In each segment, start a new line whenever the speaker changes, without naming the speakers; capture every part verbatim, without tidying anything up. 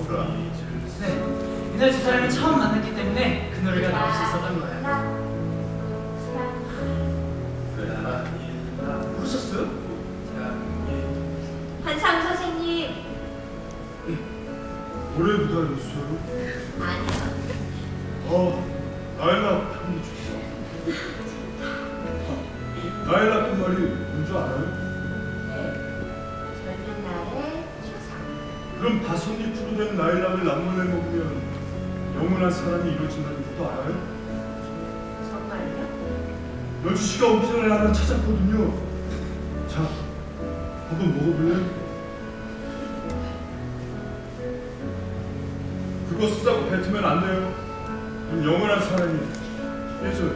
네, 이날 두 사람이 처음 만났기 때문에 그 노래가 나올 수 있었던 거예요. 부르셨어요?
한상우 선생님.
노래부터 알려주세요.
아니요.
어, 나일락 편이 좋다. 나일락 그 말이 뭔지 알아요?
네. 젊은 날의 초상.
그럼 다섯잎으로 된 나일락을 남문에 먹으면 영원한 사랑이 이루어진다는 것도 알아요?
정말요?
연주 씨가 오기 전에 하나 찾았거든요. 자, 한번 먹어볼래요? 그거 쓰자고 뱉으면 안 돼요. 그럼 영원한 사랑이 깨져요.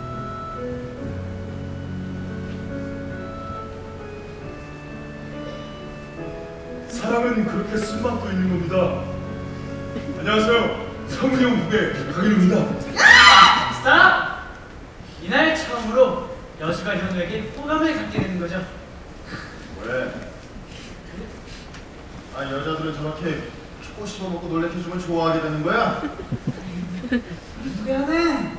사랑은 그렇게 쓴맛도 있는 겁니다. 안녕하세요. 성훈이 형 부배 강일우입니다.
스탑! 이날 처음으로 여주가 현우에게 호감을 갖게 되는 거죠.
왜? 아, 여자들은 저렇게 초코 씹어먹고 놀래켜주면 좋아하게 되는 거야?
미안해.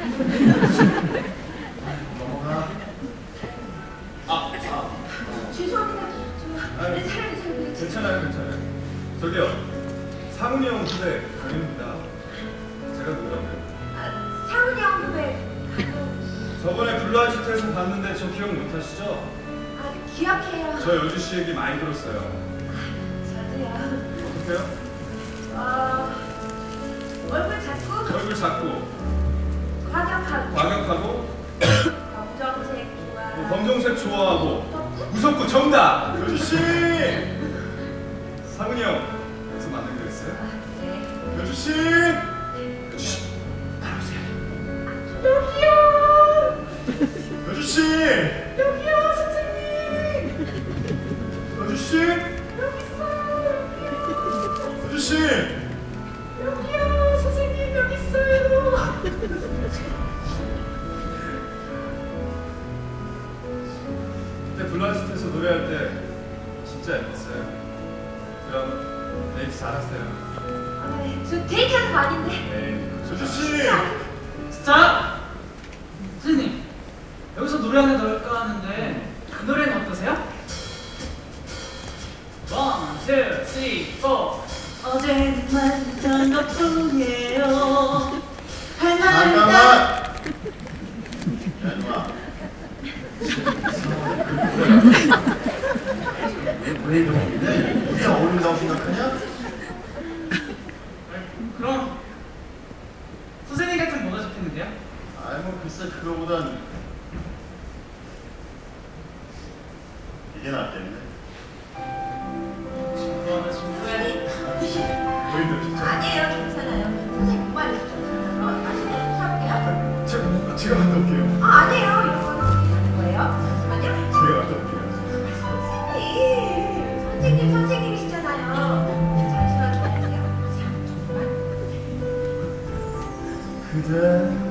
넘어가.
아, 아.
죄송합니다. 저
아유.
내 사랑이 잘
괜찮아요, 괜찮아요. 저기요. 상훈이 형 후배 강현입니다. 제가 누구라고요?
아, 상훈이 형 후배.
저번에 블루아지트에서 봤는데 저 기억 못하시죠?
아, 기억해요.
저 여주 씨 얘기 많이 들었어요.
저도요.
어떡해요?
어, 얼굴 작고
얼굴 작고
과격하고
과격하고
검정색 좋아.
뭐 검정색 좋아하고 무섭고 정답! 여주 씨! 상훈이 형 여기서 만나기로 했어요?
네.
여주 씨! 여주 씨! 따라오세요.
여기요.
여주 씨!
여기요, 선생님.
여주 씨!
여기 있어요.
여주 씨!
여기요, 선생님 여기 있어요.
그때 블루아지트에서 노래할 때 진짜 예뻤어요. 그럼 데이트 잘했어요.
아, 네. 저 데이트하는 거 아닌데.
네. 여주 씨!
스탑! 선생님, 여기서 노래 하나 넣을까 하는데 그 노래는 어떠세요? 원, 투, 쓰리, 포. 어제는 만났던 것뿐이에요. 할 말은
잠깐만!
다-
야, 이놈아. 왜 이러는데? 이게 어울린다고 생각하냐?
그럼 선생님 같은 뭐가 좋겠는데요?
아이, 뭐, 글쎄, 그거보단 이게 낫겠네.
중고하나 중고해.
보이죠, 진짜?
아니에요, 괜찮아요. 선생님 정말 좋잖아요. 맛있는 거 사올게요.
제가, 제가 갔다 올게요.
아, 아니에요. 이거 하는 거예요. 잠시만요.
제가 갔다 올게요.
선생님, 선생님, 선생님이시잖아요. 잠시만 기다리세요. 잠깐만.
그대